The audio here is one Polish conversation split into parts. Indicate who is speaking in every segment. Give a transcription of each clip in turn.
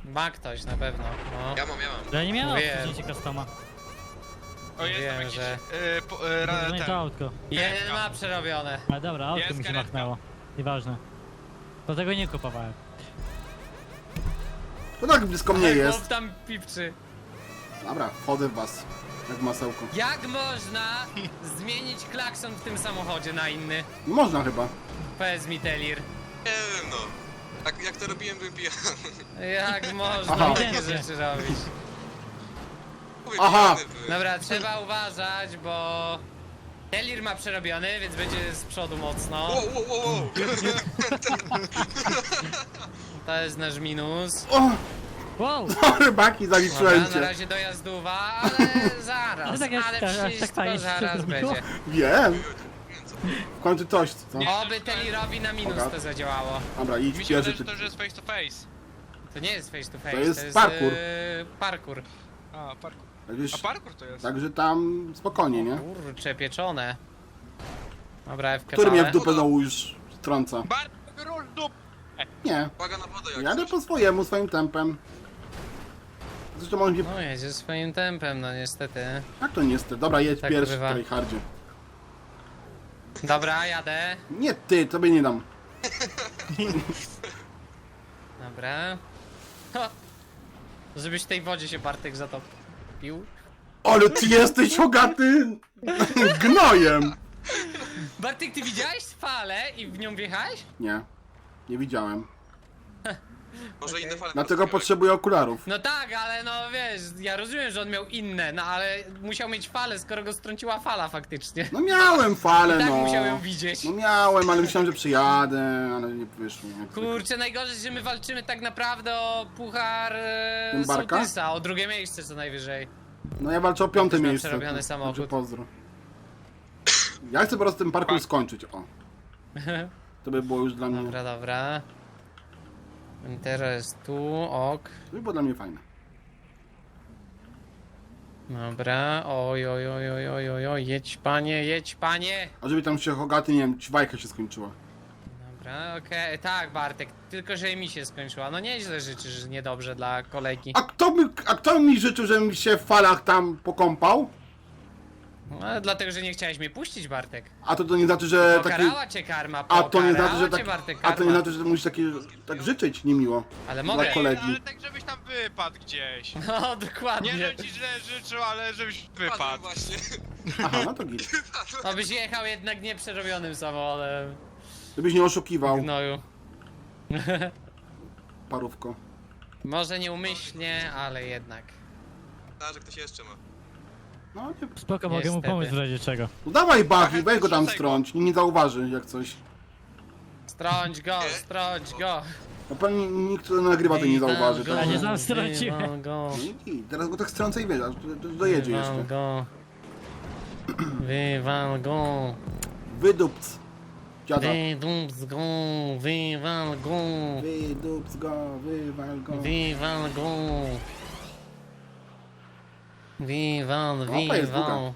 Speaker 1: Ma ktoś na pewno, no.
Speaker 2: Ja mam.
Speaker 3: Ja nie miałem
Speaker 1: Wiem.
Speaker 3: opcji customa.
Speaker 4: O, jest tam
Speaker 1: Wiem,
Speaker 4: jakiś...
Speaker 1: że-
Speaker 3: To nie
Speaker 4: ten.
Speaker 3: to autko.
Speaker 1: Jeden ma przerobione.
Speaker 3: Ale dobra, autko
Speaker 4: Jest
Speaker 3: mi się
Speaker 4: karetka.
Speaker 3: machnęło. Nieważne. Dlatego nie kupowałem.
Speaker 5: To tak blisko mnie
Speaker 1: Chłop
Speaker 5: jest.
Speaker 1: tam pipczy.
Speaker 5: Dobra, wchodzę w was. Jak masełko.
Speaker 1: Jak można zmienić klakson w tym samochodzie na inny?
Speaker 5: Nie można chyba.
Speaker 1: Powiedz mi, Telir.
Speaker 2: Nie wiem no. Tak jak to robiłem, byłem pijany.
Speaker 1: Jak można
Speaker 5: Aha.
Speaker 1: takie
Speaker 3: Ewidentnie.
Speaker 1: rzeczy robić?
Speaker 2: Mówię,
Speaker 5: Aha.
Speaker 2: pijany byłem.
Speaker 1: Dobra, trzeba uważać, bo... Telir ma przerobiony, więc będzie z przodu mocno.
Speaker 2: Wow.
Speaker 1: To jest nasz minus.
Speaker 5: O!
Speaker 3: Wow!
Speaker 5: Rybaki,
Speaker 1: Dobra,
Speaker 5: zaliczyłem
Speaker 1: na
Speaker 5: cię.
Speaker 1: razie dojazdowa, ale zaraz,
Speaker 3: Ale tak jest,
Speaker 1: ale
Speaker 3: aż tak
Speaker 1: wszystko
Speaker 3: fajnie się
Speaker 1: zaraz
Speaker 3: zrobiło.
Speaker 1: będzie.
Speaker 5: Wiem. W końcu coś, co?
Speaker 1: Oby Telirowi na minus
Speaker 5: Dobra.
Speaker 1: to zadziałało.
Speaker 5: Dobra, idź
Speaker 4: Mi się
Speaker 5: pierwszy
Speaker 4: wydaje, że
Speaker 5: ty.
Speaker 4: to już jest face to face.
Speaker 1: To nie jest face to face,
Speaker 5: To jest parkour.
Speaker 1: Parkour.
Speaker 4: A, parkour.
Speaker 5: Także,
Speaker 4: A parkour to jest.
Speaker 5: także tam spokojnie, nie?
Speaker 1: Kurcze, pieczone. Dobra, FK.
Speaker 5: Który mnie w dupę znowu już trąca?
Speaker 4: Parkour dup!
Speaker 5: Nie.
Speaker 2: Uwaga na wodę jak
Speaker 5: Jadę
Speaker 2: coś.
Speaker 5: po swojemu, swoim tempem. Zresztą on mnie...
Speaker 1: No jedzie swoim tempem, no niestety.
Speaker 5: Jak to niestety? Dobra, jedź
Speaker 1: Tak
Speaker 5: pierwszy
Speaker 1: bywa.
Speaker 5: w tryhardzie.
Speaker 1: Dobra, jadę.
Speaker 5: Nie ty, tobie nie dam.
Speaker 1: Dobra. Ha. Żebyś w tej wodzie się Bartek zatopił.
Speaker 5: Ale ty jesteś ogaty gnojem!
Speaker 1: Bartek, ty widziałeś falę i w nią wjechałeś?
Speaker 5: Nie. Nie widziałem.
Speaker 2: Może inne fale.
Speaker 5: Dlatego
Speaker 2: polskiego.
Speaker 5: potrzebuję okularów.
Speaker 1: No tak, ale no wiesz, ja rozumiem, że on miał inne, no ale musiał mieć falę, skoro go strąciła fala faktycznie.
Speaker 5: No miałem falę,
Speaker 1: Tak
Speaker 5: no.
Speaker 1: musiał ją widzieć.
Speaker 5: No miałem, ale myślałem, że przyjadę, ale nie wyszło. Jak zwykle.
Speaker 1: Kurczę, najgorzej, że my walczymy tak naprawdę o puchar
Speaker 5: Tym Barka?
Speaker 1: sołtysa, o drugie miejsce co najwyżej.
Speaker 5: No ja walczę o piąte
Speaker 1: Ktoś ma
Speaker 5: miejsce.
Speaker 1: przerobiony samochód.
Speaker 5: Także pozdro. Ja chcę po prostu ten parkour skończyć, o. To by było już dla mnie...
Speaker 1: Dobra, dobra. Teraz jest tu, ok.
Speaker 5: To by było dla mnie fajne.
Speaker 1: Dobra, oj, oj, oj, oj, oj, oj, oj, jedź panie, jedź panie!
Speaker 5: A żeby tam się Hogaty, nie wiem, ćwajka się skończyła.
Speaker 1: Dobra, okej, tak Bartek, tylko że mi się skończyła. No nieźle życzysz niedobrze dla kolegi.
Speaker 5: A kto mi życzył, żebym się w falach tam pokąpał?
Speaker 1: No, dlatego, że nie chciałeś mnie puścić, Bartek.
Speaker 5: A to nie znaczy, że taki...
Speaker 1: Pokarała cię karma,
Speaker 5: A to nie znaczy, że
Speaker 1: cię,
Speaker 5: tak...
Speaker 1: Bartek,
Speaker 5: A to nie
Speaker 1: karma.
Speaker 5: znaczy, że musisz tak życzyć niemiło.
Speaker 1: Ale
Speaker 5: Dla
Speaker 1: mogę.
Speaker 5: kolegi.
Speaker 4: Ale tak żebyś tam wypadł gdzieś.
Speaker 1: No, dokładnie.
Speaker 4: Nie, że ci źle życzył, ale żebyś
Speaker 2: Padłem
Speaker 4: wypadł.
Speaker 2: właśnie.
Speaker 5: Aha, no to git.
Speaker 1: No byś jechał jednak nieprzerobionym samochodem.
Speaker 5: Żebyś nie oszukiwał,
Speaker 1: Gnoju.
Speaker 5: parówko.
Speaker 1: Może nieumyślnie, ale jednak.
Speaker 2: A, że ktoś jeszcze ma.
Speaker 5: No nie...
Speaker 3: Spoko, mogę mu
Speaker 1: Niestety.
Speaker 3: pomóc w razie czego.
Speaker 5: No dawaj Buffy, weź go tam
Speaker 4: Wrzucaj go.
Speaker 5: strąć, nikt nie zauważy jak coś.
Speaker 1: Strąć go, strąć go.
Speaker 5: No pewnie nikt, kto nagrywa, to nie zauważy.
Speaker 1: Wywal
Speaker 5: Tak?
Speaker 3: A nie
Speaker 5: No
Speaker 3: znam, strąciłem.
Speaker 1: Wywal go.
Speaker 5: i teraz go tak strącę i wiesz, aż dojedzie
Speaker 1: Wywal
Speaker 5: jeszcze.
Speaker 1: go. Wywal go.
Speaker 5: Wydupc. Dziada.
Speaker 1: Wydupc go. Wywal go.
Speaker 5: Wydupc go, wywal go.
Speaker 1: Wywal go. Wywal,
Speaker 5: Opa, jest długa.
Speaker 1: wywal.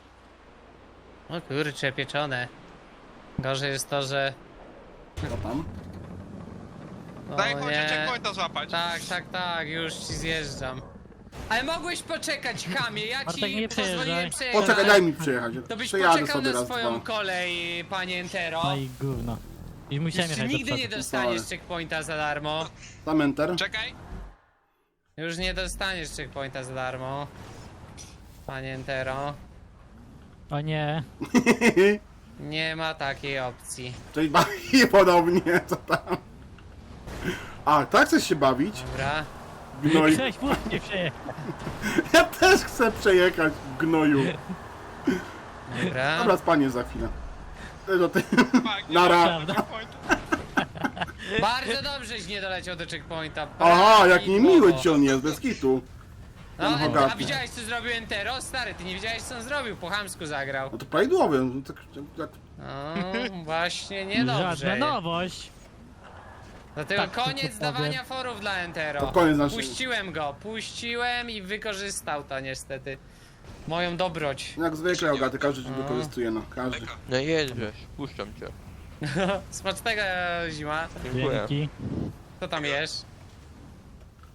Speaker 1: O kurcze, pieczone. Gorzej jest to, że...
Speaker 5: Co tam?
Speaker 1: O
Speaker 4: Daj chodź,
Speaker 1: nie.
Speaker 4: checkpointa złapać.
Speaker 1: Tak, już ci zjeżdżam. Ale mogłeś poczekać, Kamie, ja
Speaker 3: Bartek,
Speaker 1: ci
Speaker 3: nie
Speaker 1: pozwoliłem
Speaker 3: przejeżdżaj.
Speaker 1: przejechać.
Speaker 5: Poczekaj, daj mi przejechać.
Speaker 1: To byś
Speaker 5: Przejadę
Speaker 1: poczekał
Speaker 5: sobie
Speaker 1: na
Speaker 5: raz,
Speaker 1: swoją
Speaker 5: dwa.
Speaker 1: kolej, panie Entero.
Speaker 3: No i gówno. I musiałem
Speaker 1: Jeszcze
Speaker 3: jechać do
Speaker 1: nigdy nie
Speaker 3: przodu.
Speaker 1: dostaniesz checkpointa za darmo.
Speaker 5: Tam enter.
Speaker 4: Czekaj.
Speaker 1: Już nie dostaniesz checkpointa za darmo. Panie Entero.
Speaker 3: O nie.
Speaker 1: Nie ma takiej opcji.
Speaker 5: Cześć, bawi podobnie, co tam? A, tak chcesz się bawić?
Speaker 1: Dobra.
Speaker 5: Gnoj.
Speaker 3: Chciałeś płynnie przejechać.
Speaker 5: Ja też chcę przejechać w gnoju.
Speaker 1: Dobra.
Speaker 5: Dobra, spanie za chwilę. Do ty...
Speaker 4: Fuck, nie
Speaker 5: Nara.
Speaker 4: ma checkpointa.
Speaker 1: Bardzo dobrześ nie doleciał do checkpointa.
Speaker 5: Aha, jak niemiły
Speaker 1: Prawidłowo.
Speaker 5: ci on jest, bez kitu.
Speaker 1: No, a
Speaker 5: Bogaty.
Speaker 1: widziałeś co zrobił Entero? Stary, ty nie wiedziałeś co on zrobił, po chamsku zagrał.
Speaker 5: No to prawidłowy. No, tak,
Speaker 1: No, właśnie niedobrze.
Speaker 3: Żadna nowość.
Speaker 1: Dlatego
Speaker 3: Tak,
Speaker 1: koniec
Speaker 3: tylko powiem.
Speaker 1: dawania forów dla Entero.
Speaker 5: To koniec naszej-
Speaker 1: Puściłem i wykorzystał to niestety. Moją dobroć.
Speaker 5: jak zwykle, Ogaty, każdy ci wykorzystuje, no. Każdy.
Speaker 2: Leka.
Speaker 6: No jedziesz, puszczam cię.
Speaker 1: Smacznego zima.
Speaker 6: Dziękuję.
Speaker 3: Dzięki.
Speaker 1: Co tam jesz?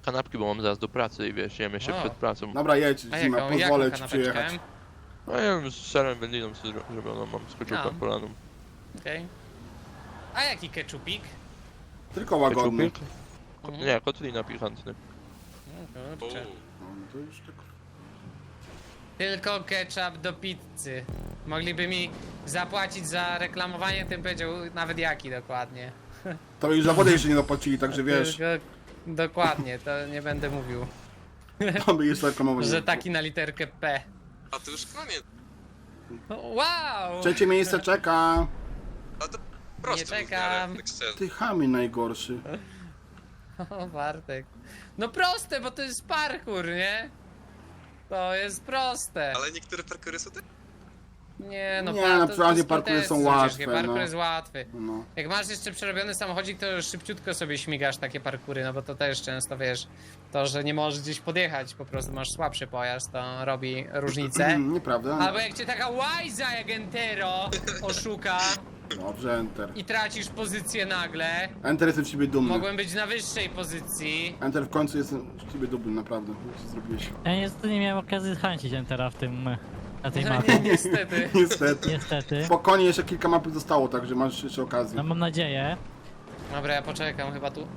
Speaker 6: kanapki, bo mam zaraz do pracy i wiesz, jem jeszcze
Speaker 1: O.
Speaker 6: przed pracą.
Speaker 5: Dobra, jedź,
Speaker 1: A
Speaker 5: Zima,
Speaker 1: jaką
Speaker 5: pozwolę ci
Speaker 1: kanapeczkę?
Speaker 5: przyjechać.
Speaker 6: No ja wiem, z serem wędliną sobie zrobioną, mam z keczupem polaną.
Speaker 1: Okej. A jaki keczupik?
Speaker 5: Tylko łagodny.
Speaker 6: Keczupik?
Speaker 1: Mhm.
Speaker 6: Nie, kotlina pikantny.
Speaker 1: No,
Speaker 2: O,
Speaker 1: kurczę.
Speaker 5: No, to już tak.
Speaker 1: Tylko ketchup do pizzy. Mogliby mi zapłacić za reklamowanie, tym powiedział nawet jaki dokładnie.
Speaker 5: To już za wodę jeszcze nie zapłacili, także wiesz,
Speaker 1: Tylko, dokładnie, to nie będę mówił.
Speaker 5: to by jeszcze reklamować.
Speaker 1: Że taki na literkę P.
Speaker 2: a to już koniec.
Speaker 1: Wow!
Speaker 5: Trzecie miejsce czeka.
Speaker 2: A to proste
Speaker 1: Nie
Speaker 2: było w miarę,
Speaker 1: czekam.
Speaker 2: tak szczerze.
Speaker 5: Ty chamie najgorszy.
Speaker 1: O, Bartek. No proste, bo to jest parkour, nie? To jest proste.
Speaker 2: Ale niektóre parkury są tak...
Speaker 1: Nie, no
Speaker 5: Nie,
Speaker 1: to
Speaker 5: no, przeważnie
Speaker 1: jest
Speaker 5: parkury są
Speaker 1: ciężkie.
Speaker 5: łatwe,
Speaker 1: Parkour
Speaker 5: no.
Speaker 1: jest łatwy.
Speaker 5: No.
Speaker 1: Jak masz jeszcze przerobiony samochodzik, to już szybciutko sobie śmigasz takie parkury, no bo to też często, wiesz, to, że nie możesz gdzieś podjechać, po prostu masz słabszy pojazd, to robi różnicę.
Speaker 5: Nieprawda?
Speaker 1: Albo jak cię taka łajza jak Entero oszuka
Speaker 5: Dobrze, Enter.
Speaker 1: i tracisz pozycję nagle,
Speaker 5: Enter, jestem z ciebie dumny.
Speaker 1: mogłem być na wyższej pozycji.
Speaker 5: Enter, w końcu jestem z ciebie dumny, naprawdę. Co zrobiłeś?
Speaker 3: Ja niestety nie miałem okazji zhańcić Entera w tym... na tej
Speaker 1: Nie,
Speaker 3: mapie.
Speaker 1: niestety.
Speaker 5: Niestety.
Speaker 3: Niestety.
Speaker 5: Spokojnie, jeszcze kilka mapy zostało, także masz jeszcze okazję.
Speaker 3: No mam nadzieję.
Speaker 1: Dobra, ja poczekam chyba tu.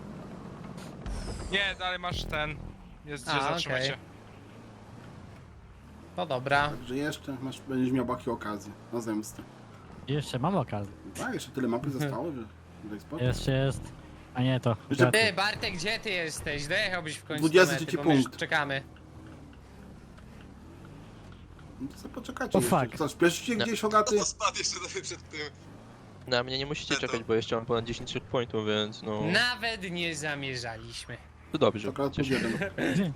Speaker 4: Nie, dalej masz ten. Jest
Speaker 1: A,
Speaker 4: gdzie zatrzymać
Speaker 1: okej.
Speaker 4: się.
Speaker 1: To dobra.
Speaker 5: Także jeszcze będziesz miał baki okazję na zemstę.
Speaker 3: Jeszcze mam okazję.
Speaker 5: Tak, jeszcze tyle mapy zostało, że daj spokój.
Speaker 3: Jeszcze jest... A nie, to...
Speaker 5: Jeszcze-
Speaker 3: graty.
Speaker 1: Ty, Bartek, gdzie ty jesteś? Dojechałbyś w końcu
Speaker 5: 23
Speaker 1: do mety, bo my już
Speaker 5: punkt.
Speaker 1: czekamy.
Speaker 5: No to sobie poczekajcie
Speaker 3: O,
Speaker 5: jeszcze.
Speaker 3: fuck.
Speaker 5: Co, śpieszycie
Speaker 6: Nie.
Speaker 5: gdzieś,
Speaker 2: No
Speaker 5: Hogaty?
Speaker 2: to spadł jeszcze sobie przed tym.
Speaker 6: Na mnie nie musicie czekać, bo jeszcze mam ponad 10 checkpointów, więc no...
Speaker 1: Nawet nie zamierzaliśmy.
Speaker 6: To dobrze.
Speaker 5: Akurat plus
Speaker 6: Cieszę się.
Speaker 5: jeden.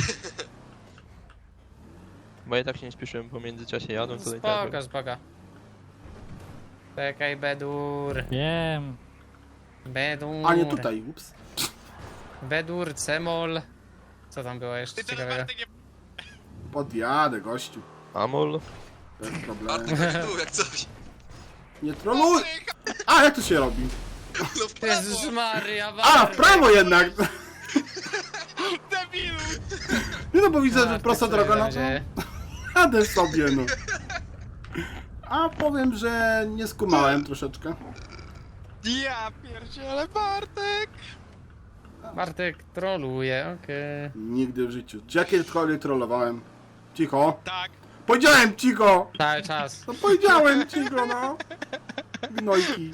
Speaker 6: Bo ja tak się nie spieszyłem po międzyczasie jadą, to i tak...
Speaker 1: Spoko, spoko. Czekaj, Bedur.
Speaker 3: Wiem.
Speaker 1: Bedur.
Speaker 5: A nie tutaj, ups.
Speaker 1: Bedur, Cemol. Co tam było jeszcze
Speaker 4: Ty teraz
Speaker 1: ciekawego?
Speaker 4: Bartek nie...
Speaker 5: Podjadę, gościu.
Speaker 6: Amol?
Speaker 5: Bez problemu.
Speaker 2: Bartek chodzi tu, jak coś.
Speaker 5: Nie troluj! A, jak to się robi?
Speaker 2: No w prawo.
Speaker 1: Jezus Maria,
Speaker 5: A, w
Speaker 1: Bartek.
Speaker 5: prawo jednak!
Speaker 4: Debilu!
Speaker 5: Nie no, bo widzę, że
Speaker 1: Bartek,
Speaker 5: prosta
Speaker 1: co
Speaker 5: droga, no
Speaker 1: będzie?
Speaker 5: to jadę sobie, no. A powiem, że nie skumałem troszeczkę.
Speaker 4: Ja pierdzielę, Bartek!
Speaker 1: Bartek troluje, okej.
Speaker 5: Nigdy w życiu. Czy ja kiedykolwiek trollowałem? Cicho.
Speaker 4: Tak.
Speaker 5: Powiedziałem cicho!
Speaker 1: Cały czas.
Speaker 5: No powiedziałem cicho, no. Gnojki.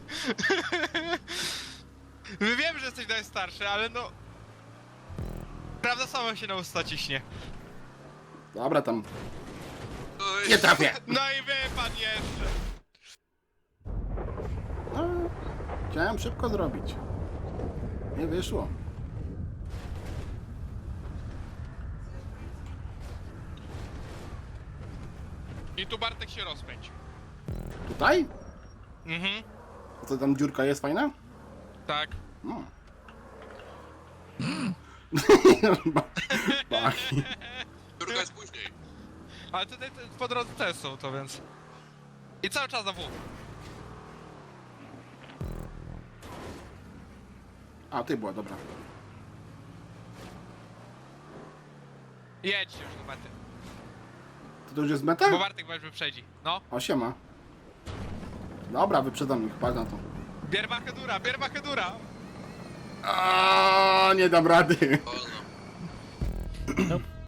Speaker 4: Wiem, że jesteś najstarszy, ale no... Prawda sama się na usta ciśnie.
Speaker 5: Dobra, tam.
Speaker 2: Oj.
Speaker 5: Nie trafię.
Speaker 4: No i wypadł jeszcze.
Speaker 5: No, chciałem szybko zrobić. Nie wyszło.
Speaker 4: I tu Bartek się rozpędź.
Speaker 5: Tutaj?
Speaker 4: Mhm,
Speaker 5: A co tam dziurka jest fajna?
Speaker 4: tak.
Speaker 5: No. Baki.
Speaker 2: Druga jest później.
Speaker 4: Ale tutaj po drodze też są to, więc... I cały czas na W.
Speaker 5: A, ty była, dobra.
Speaker 4: Jedź już do mety.
Speaker 5: To już jest meta?
Speaker 4: Bo Bartek weź wyprzedzi. No.
Speaker 5: O, siema. Dobra, wyprzedzam ich, patrz na to.
Speaker 4: Bierbachę dura, bierbachę dura!
Speaker 5: A, nie dam rady.
Speaker 2: Wolno.
Speaker 3: Nope.